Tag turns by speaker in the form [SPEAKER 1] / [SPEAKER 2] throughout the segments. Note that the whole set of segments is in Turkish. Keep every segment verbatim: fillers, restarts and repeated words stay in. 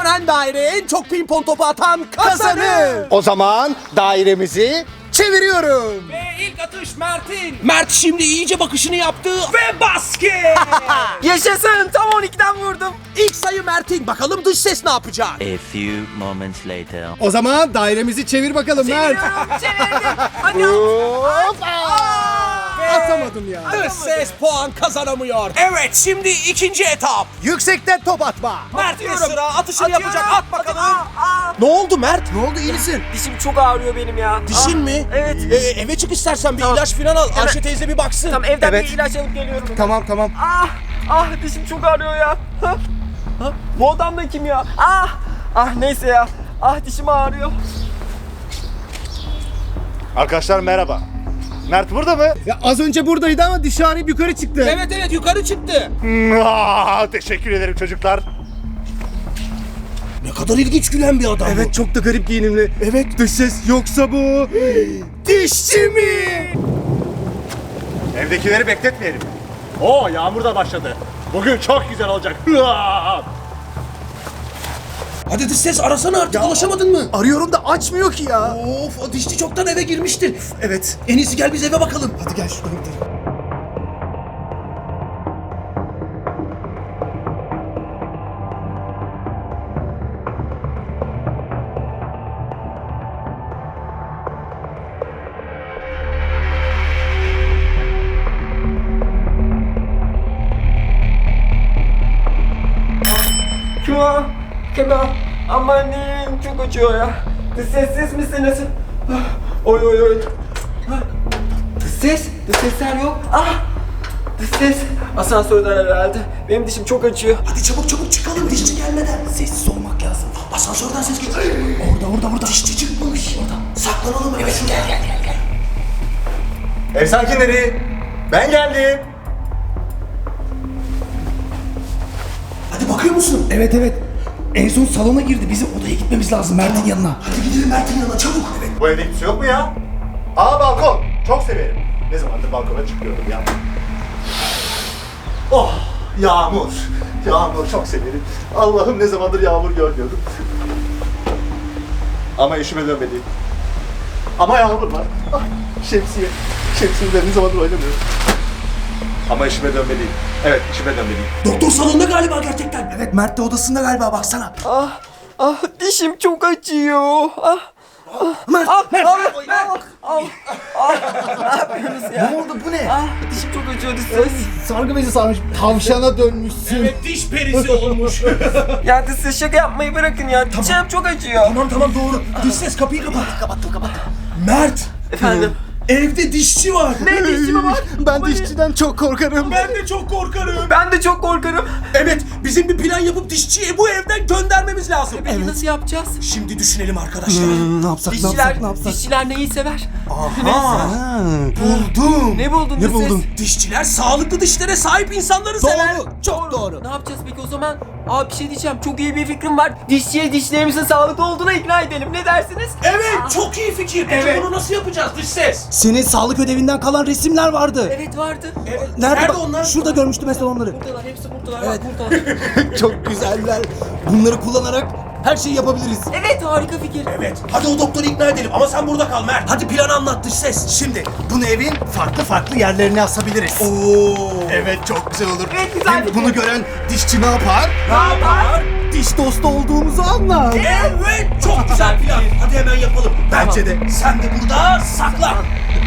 [SPEAKER 1] Dönen daireye en çok pimpon topu atan kazanır.
[SPEAKER 2] O zaman dairemizi çeviriyorum.
[SPEAKER 1] Ve ilk atış Mert'in. Mert şimdi iyice bakışını yaptı ve basket.
[SPEAKER 3] Yaşasın, tam on ikiden vurdum.
[SPEAKER 1] İlk sayı Mert'in. Bakalım dış ses ne yapacak?
[SPEAKER 4] A few moments later.
[SPEAKER 2] O zaman dairemizi çevir bakalım Mert.
[SPEAKER 3] Çeviriyorum, çevirdim. Hadi
[SPEAKER 2] Hop.
[SPEAKER 1] Ve
[SPEAKER 2] Atamadım ya.
[SPEAKER 1] dış ses puan kazanamıyor. Evet, şimdi ikinci etap.
[SPEAKER 2] Yüksekten top atma.
[SPEAKER 1] Mert'in sıra atışını
[SPEAKER 3] Atıyorum.
[SPEAKER 1] yapacak. At bakalım.
[SPEAKER 3] Aa, aa.
[SPEAKER 1] Ne oldu Mert?
[SPEAKER 2] Ne oldu, iyi misin?
[SPEAKER 3] Dişim çok ağrıyor benim ya.
[SPEAKER 1] Dişin
[SPEAKER 3] Ah,
[SPEAKER 1] mi?
[SPEAKER 3] Evet.
[SPEAKER 1] Ee, eve çık istersen bir
[SPEAKER 3] Tamam.
[SPEAKER 1] ilaç falan al.
[SPEAKER 3] Hemen-
[SPEAKER 1] Ayşe teyze bir baksın.
[SPEAKER 3] Tamam, evden
[SPEAKER 2] Evet.
[SPEAKER 3] bir ilaç alıp geliyorum.
[SPEAKER 2] Tamam tamam.
[SPEAKER 3] Ah, ah dişim çok ağrıyor ya. Ha? Ha? Bu adam da kim ya? Ah, ah neyse ya. Ah dişim ağrıyor.
[SPEAKER 5] Arkadaşlar merhaba. Mert burada mı?
[SPEAKER 2] Ya az önce buradaydı ama dişi ağrıyıp yukarı çıktı.
[SPEAKER 1] Evet evet yukarı çıktı.
[SPEAKER 5] Aa, teşekkür ederim çocuklar.
[SPEAKER 1] Ne kadar ilginç gülen bir adam
[SPEAKER 2] Evet, çok da garip giyinimli. Evet, dış ses yoksa bu dişçi mi?
[SPEAKER 5] Evdekileri bekletmeyelim. Oo, yağmur da başladı. Bugün çok güzel olacak.
[SPEAKER 1] Hadi dış ses arasana artık, ulaşamadın mı?
[SPEAKER 2] Arıyorum da açmıyor ki ya.
[SPEAKER 1] Of, o dişçi çoktan eve girmiştir.
[SPEAKER 2] Evet.
[SPEAKER 1] En iyisi gel biz eve bakalım.
[SPEAKER 2] Hadi gel şuradan gidelim.
[SPEAKER 3] Kim o? Kim o? Amanın çok acıyor ya. Dış sessiz misiniz? Ah, Oy oy oy. Ah, Dış ses? Dış sesler yok. Ah! Dış ses. Asansörden herhalde. Benim dişim çok acıyor.
[SPEAKER 1] Hadi çabuk çabuk çıkalım dişçi gelmeden.
[SPEAKER 2] Sessiz olmak lazım.
[SPEAKER 1] Asansörden ses geliyor. Orada orada orada. Dişçi çıkmış. Orada. Saklanalım. Evet gel gel gel gel.
[SPEAKER 5] Ev sakinleri, ben geldim.
[SPEAKER 1] Hadi bakıyor musun?
[SPEAKER 2] Evet evet. En son salona girdi. Bizim odaya gitmemiz lazım Mert'in yanına.
[SPEAKER 1] Hadi gidelim Mert'in yanına çabuk. Evet.
[SPEAKER 5] Bu evde kimse yok mu ya? Aa, balkon. Çok severim. Ne zamandır balkona çıkıyordum ya. Oh, yağmur. Yağmur çok severim. Allah'ım, ne zamandır yağmur görmüyordum. Ama işime dönmeliyim. Ama yağmur var. Ah, şemsiye. Şemsiyeyle ne zamandır oynamıyorum. Ama işime dönmeliyim. Evet, işime dönmeliyim.
[SPEAKER 1] Doktor salonda galiba gerçekten.
[SPEAKER 2] Evet, Mert de odasında galiba, baksana.
[SPEAKER 3] Ah, ah dişim çok acıyor. Ah.
[SPEAKER 2] Mert,
[SPEAKER 3] Ah,
[SPEAKER 2] Mert.
[SPEAKER 3] ah, ah, ah, ah, ne yapıyorsunuz ya?
[SPEAKER 2] Ne oldu, bu ne?
[SPEAKER 3] Ah, dişim çok acıyor dış ses.
[SPEAKER 2] Sargı bezi sarmış. Tavşana dönmüşsün.
[SPEAKER 1] Evet diş perisi olmuş.
[SPEAKER 3] Ya dış ses şaka yapmayı bırakın ya. Dişim çok acıyor.
[SPEAKER 1] Tamam tamam doğru. Dış ses kapıyı kapat. Kapattım kapattım. Mert.
[SPEAKER 3] Efendim?
[SPEAKER 1] Evde dişçi var.
[SPEAKER 3] Ne dişçi mi var?
[SPEAKER 2] Ben
[SPEAKER 3] Ama
[SPEAKER 2] dişçiden çok korkarım.
[SPEAKER 1] Ben de çok korkarım.
[SPEAKER 3] Ben de çok korkarım.
[SPEAKER 1] Evet, bizim bir plan yapıp dişçiyi bu evden göndermemiz lazım.
[SPEAKER 3] Peki nasıl yapacağız?
[SPEAKER 1] Şimdi düşünelim arkadaşlar.
[SPEAKER 2] Hmm, ne yapsak, ne
[SPEAKER 3] Dişçiler,
[SPEAKER 2] yapsak, ne yapsak?
[SPEAKER 3] dişçiler neyi sever?
[SPEAKER 2] Ha, buldum.
[SPEAKER 3] Ne buldun
[SPEAKER 2] Ne
[SPEAKER 3] dış ses?
[SPEAKER 2] buldun?
[SPEAKER 1] Dişçiler sağlıklı dişlere sahip insanları sever.
[SPEAKER 2] Doğru, çok doğru.
[SPEAKER 3] Ne yapacağız peki o zaman? Abi bir şey diyeceğim. Çok iyi bir fikrim var. Dişçiye dişlerimizin sağlıklı olduğuna ikna edelim. Ne dersiniz?
[SPEAKER 1] Evet, çok iyi fikir. Peki
[SPEAKER 3] Evet.
[SPEAKER 1] bunu nasıl yapacağız dış ses?
[SPEAKER 2] Senin sağlık ödevinden kalan resimler vardı.
[SPEAKER 3] Evet vardı.
[SPEAKER 1] Evet.
[SPEAKER 2] Nerede,
[SPEAKER 1] Nerede
[SPEAKER 2] bak-
[SPEAKER 1] onlar?
[SPEAKER 2] Şurada görmüştüm mesela onları.
[SPEAKER 3] Buradalar, hepsi buradalar.
[SPEAKER 2] Evet.
[SPEAKER 3] Bak buradalar.
[SPEAKER 2] Çok güzeller. Bunları kullanarak her şeyi yapabiliriz.
[SPEAKER 3] Evet harika fikir.
[SPEAKER 1] Evet. Hadi o doktoru ikna edelim ama sen burada kal Mert. Hadi planı anlat dış ses.
[SPEAKER 2] Şimdi bunu evin farklı farklı yerlerine asabiliriz.
[SPEAKER 1] Oo.
[SPEAKER 2] Evet, çok güzel olur.
[SPEAKER 3] Evet, güzel
[SPEAKER 2] Hem
[SPEAKER 3] fikir.
[SPEAKER 2] bunu gören dişçi ne yapar?
[SPEAKER 3] Ne yapar?
[SPEAKER 2] Diş dostu olduğumuzu anlar.
[SPEAKER 1] Evet, çok güzel plan. Hadi hemen yapalım. Bence de. Sen de burada saklan.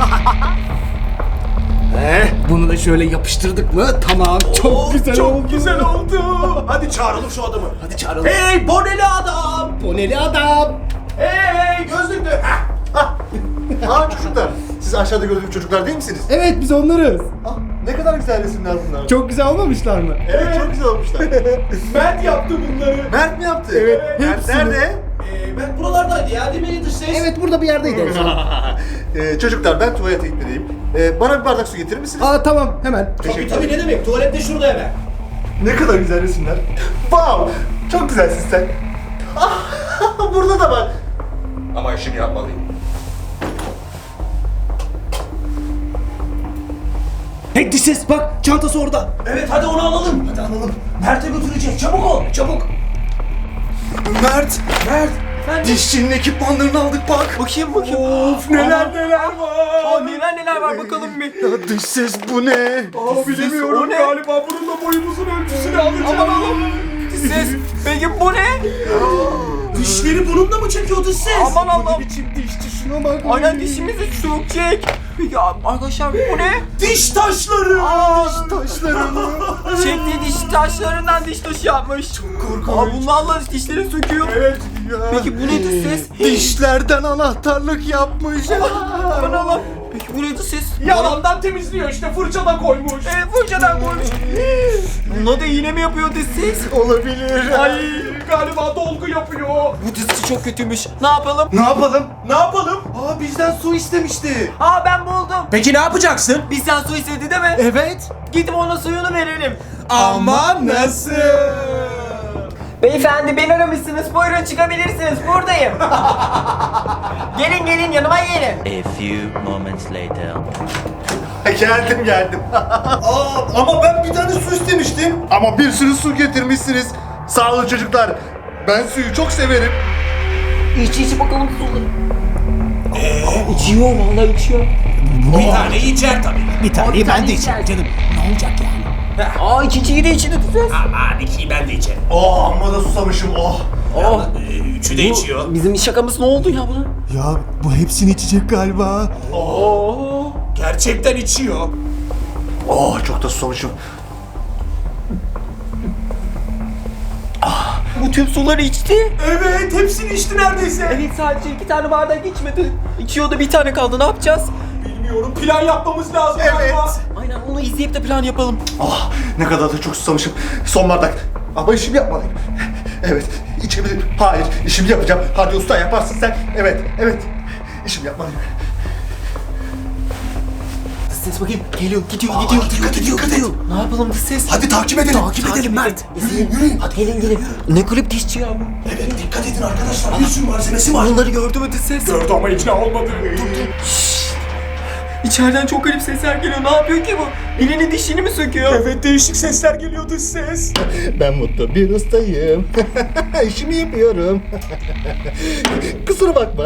[SPEAKER 2] Eh, bunu da şöyle yapıştırdık mı? Tamam, çok
[SPEAKER 1] Oo,
[SPEAKER 2] güzel
[SPEAKER 1] çok
[SPEAKER 2] oldu.
[SPEAKER 1] güzel oldu. Hadi çağıralım şu adamı.
[SPEAKER 2] Hadi çağıralım.
[SPEAKER 1] Hey boneli adam.
[SPEAKER 2] Boneli adam.
[SPEAKER 1] Hey gözlüklü. Heh.
[SPEAKER 5] Aa, çocuklar. Siz aşağıda gördüğüm çocuklar değil misiniz?
[SPEAKER 2] Evet, biz onlarız.
[SPEAKER 5] Ah, ne kadar güzel resimler bunlar.
[SPEAKER 2] Çok güzel olmamışlar mı?
[SPEAKER 5] Evet, çok güzel olmuşlar.
[SPEAKER 1] Mert yaptı bunları.
[SPEAKER 5] Mert mi yaptı?
[SPEAKER 2] Evet,
[SPEAKER 5] Mert
[SPEAKER 2] hepsini.
[SPEAKER 5] nerede?
[SPEAKER 1] Ee, Mert buralardaydı ya değil mi dış ses?
[SPEAKER 2] Evet, burada bir yerdeydi.
[SPEAKER 5] Ee, çocuklar, ben tuvalete gitmeliyim. Ee, bana bir bardak su getirir misiniz?
[SPEAKER 2] Aa, tamam, hemen.
[SPEAKER 1] Tabii tabii ne demek, tuvalet de şurada hemen.
[SPEAKER 5] Ne kadar güzel resimler. Wow! Çok güzelsin sen. Ah, burada da var. Ama işimi yapmalıyım.
[SPEAKER 2] Hey dış ses, bak çantası orada.
[SPEAKER 1] Evet hadi onu alalım. Hadi alalım. Mert'e götürecek, çabuk ol, çabuk.
[SPEAKER 2] Mert, Mert.
[SPEAKER 3] Efendim?
[SPEAKER 2] Dişçinin ekipmanlarını aldık bak.
[SPEAKER 3] Bakayım bakayım.
[SPEAKER 2] Of neler
[SPEAKER 3] Aa,
[SPEAKER 2] neler var.
[SPEAKER 3] Aa, neler neler var bakalım bir.
[SPEAKER 2] Ya dış ses bu ne?
[SPEAKER 3] Aa, bilemiyorum
[SPEAKER 2] o ne?
[SPEAKER 3] galiba.
[SPEAKER 2] Bununla boyumuzun ölçüsünü alacağım.
[SPEAKER 3] Aman aman. Ses. Peki bu ne?
[SPEAKER 1] Dişleri bununla mı çekiyor dış ses?
[SPEAKER 3] Aman
[SPEAKER 2] Bu ne
[SPEAKER 3] Allah'ım.
[SPEAKER 2] biçim dişçi şuna bak.
[SPEAKER 3] Aynen dişimizi sökecek. Peki arkadaşlar bu ne?
[SPEAKER 1] Diş taşları.
[SPEAKER 3] Aa,
[SPEAKER 2] Taşlarını.
[SPEAKER 3] çektiği diş taşlarından diş taşı yapmış.
[SPEAKER 2] korkunç.
[SPEAKER 3] Aa, bunlarla dişleri söküyor.
[SPEAKER 2] Evet ya.
[SPEAKER 3] Peki bu nedir ses?
[SPEAKER 2] Dişlerden anahtarlık yapmış.
[SPEAKER 3] Aman Allah'ım. Peki bu nedir ses?
[SPEAKER 1] Yalandan temizliyor işte fırçadan koymuş.
[SPEAKER 3] Evet fırçadan koymuş. Buna da iğne mi yapıyor dış ses?
[SPEAKER 2] Olabilir.
[SPEAKER 1] Ay galiba dolgu yapıyor.
[SPEAKER 3] Bu dişçi çok kötüymüş. Ne yapalım?
[SPEAKER 2] Ne yapalım?
[SPEAKER 1] Ne yapalım?
[SPEAKER 2] Aa bizden su istemişti.
[SPEAKER 3] Aa ben buldum.
[SPEAKER 1] Peki ne yapacaksın?
[SPEAKER 3] Bizden su istedi değil mi?
[SPEAKER 2] Evet.
[SPEAKER 3] Gidip ona suyunu verelim.
[SPEAKER 2] Ama nasıl?
[SPEAKER 3] Beyefendi beni aramışsınız. Buyurun çıkabilirsiniz. Buradayım. Gelin gelin yanıma gelin.
[SPEAKER 4] A few moments later.
[SPEAKER 5] Geldim geldim. Aa, ama ben bir tane su istemiştim. Ama bir sürü su getirmişsiniz. Sağ olun çocuklar. Ben suyu çok severim.
[SPEAKER 3] İç iç bakalım suları. Ee? İçiyor vallahi içiyor.
[SPEAKER 1] Bir tane içer tabii. Bir taneyi ben de içerim canım. Ne olacak yani?
[SPEAKER 3] Aa ikinciyi de içti ses.
[SPEAKER 1] Aman ikiyi ben de içerim.
[SPEAKER 5] Oh amma da susamışım oh.
[SPEAKER 3] Oh.
[SPEAKER 1] Ee, üçü de içiyor.
[SPEAKER 3] Bizim şakamız ne oldu ya buna?
[SPEAKER 2] Ya bu hepsini içecek galiba.
[SPEAKER 3] Oo.
[SPEAKER 1] Gerçekten içiyor.
[SPEAKER 5] Oh çok da susamışım.
[SPEAKER 3] Bu tüm suları içti.
[SPEAKER 1] Evet hepsini içti neredeyse.
[SPEAKER 3] Evet sadece iki tane bardak içmedi. İçiyordu bir tane kaldı ne yapacağız?
[SPEAKER 1] Bilmiyorum plan yapmamız lazım
[SPEAKER 5] Evet.
[SPEAKER 1] galiba.
[SPEAKER 3] Aynen onu izleyip de plan yapalım.
[SPEAKER 5] Ah ne kadar da çok susamışım. Son bardak. Ama işimi yapmalıyım. Evet içebilirim. Hayır işimi yapacağım. Hadi usta yaparsın sen. Evet evet. İşimi yapmalıyım.
[SPEAKER 3] Ses bakayım geliyor gidiyor gidiyor.
[SPEAKER 1] Dikkat gidiyor gidiyor.
[SPEAKER 3] Ne yapalım dış ses?
[SPEAKER 1] Hadi takip edelim. Takip, edelim Mert. Yürüyün yürüyün.
[SPEAKER 3] Hadi gelin gelin. Ne kulüp dişçi ya bu?
[SPEAKER 1] Evet dikkat edin arkadaşlar. Bir sürü malzemesi var.
[SPEAKER 3] Onları gördü mü dış ses?
[SPEAKER 1] Gördü ama ikna olmadı.
[SPEAKER 3] İçeriden çok garip sesler geliyor. Ne yapıyor ki bu? Birinin dişini mi söküyor?
[SPEAKER 1] Evet değişik sesler geliyor dış ses.
[SPEAKER 5] Ben mutlu bir ustayım. İşimi yapıyorum. Kusura bakma.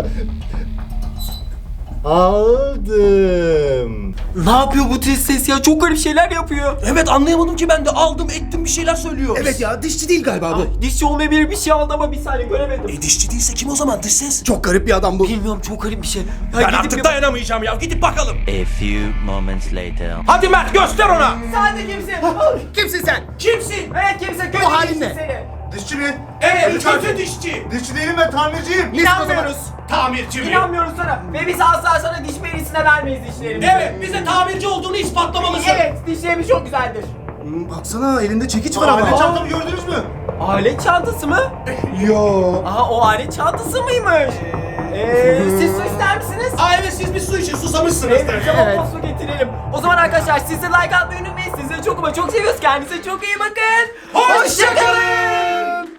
[SPEAKER 5] Aldım.
[SPEAKER 3] Ne yapıyor bu dış ses ya? Çok garip şeyler yapıyor.
[SPEAKER 1] Evet anlayamadım ki ben de aldım ettim bir şeyler söylüyor.
[SPEAKER 2] Evet ya dişçi değil galiba bu.
[SPEAKER 3] Ay, dişçi olmayabilir bir şey aldı ama bir saniye göremedim.
[SPEAKER 1] E dişçi değilse kim o zaman dış ses?
[SPEAKER 2] Çok garip bir adam bu.
[SPEAKER 3] Bilmiyorum çok garip bir şey. Ya
[SPEAKER 1] Ben
[SPEAKER 3] gidip
[SPEAKER 1] artık
[SPEAKER 3] bir-
[SPEAKER 1] dayanamayacağım ya gidip bakalım.
[SPEAKER 4] A few moments later.
[SPEAKER 1] Hadi Mert göster ona.
[SPEAKER 3] Sen de kimsin?
[SPEAKER 2] Kimsin sen?
[SPEAKER 1] Kimsin?
[SPEAKER 3] Evet kimse kötü
[SPEAKER 2] Bu halin
[SPEAKER 3] dişçi
[SPEAKER 2] ne?
[SPEAKER 3] seni.
[SPEAKER 5] Dişçi mi?
[SPEAKER 1] Evet kötü dişçi.
[SPEAKER 5] Dişçi değilim ben tamirciyim.
[SPEAKER 3] İnanmıyoruz.
[SPEAKER 1] Tamirci mi?
[SPEAKER 3] İnanmıyoruz sana. Ve biz asla sana diş perisine vermeyiz dişlerimizi.
[SPEAKER 1] Evet bize tamirci olduğunu ispatlamalısın.
[SPEAKER 3] Evet dişlerimiz çok güzeldir.
[SPEAKER 2] Hmm, Baksana elinde çekiç var
[SPEAKER 5] Aile
[SPEAKER 2] ama.
[SPEAKER 5] çantamı gördünüz mü?
[SPEAKER 3] Alet çantası mı?
[SPEAKER 2] Yo.
[SPEAKER 3] Aha o alet çantası mıymış? Eee siz su ister misiniz?
[SPEAKER 1] Aa evet siz bir su için susamışsınız.
[SPEAKER 3] Evet, tamam su getirelim. O zaman arkadaşlar siz de like atmayı unutmayın. Sizleri çok ama çok seviyoruz. Kendinize çok iyi bakın.
[SPEAKER 1] Hoşça kalın.